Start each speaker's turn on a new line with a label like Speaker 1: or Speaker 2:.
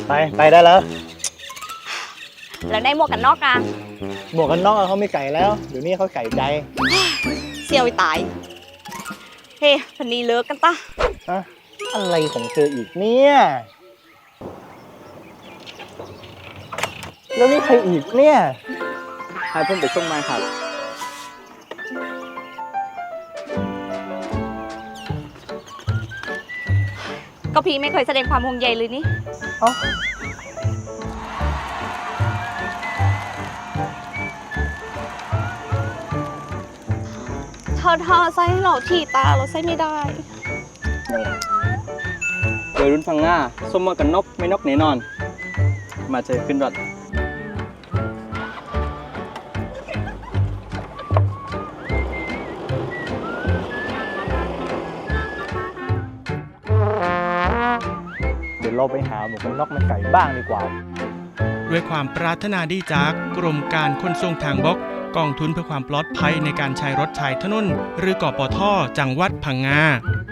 Speaker 1: ไปได้แล้ว
Speaker 2: แล้วได้หมวกกันน็อกอ่ะ
Speaker 1: หมวกกันน็อกเขาไม่ไก่แล้วเดี๋ยวนี้เขาไก่ใจ
Speaker 2: เสียวตายเฮ้พันนี้เลิกกันตะ
Speaker 1: อะอะไรของเธออีกเนี่ยแล้วนี่ใครอีกเนี่ยให้ผมไปส่งมาครับ
Speaker 2: ก็พี่ไม่เคยแสดงความห่วงใยเลยนี่
Speaker 1: เอ้า
Speaker 2: เธอใส่ให้เราที่ตาเราใส่ไม่ได้
Speaker 3: วัยรุ่นพังงาส้มมากันนกไม่นกแน่นอนมาเจอขึ้นรถ
Speaker 1: เดี๋ยวเราไปหาหมวกกันน็อกมันไก่บ้างดีกว่า
Speaker 4: ด้วยความปรารถนาดีจากกรมการขนส่งทางบกกองทุนเพื่อความปลอดภัยในการใช้รถใช้ถนนหรือกปท.จังหวัดพังงา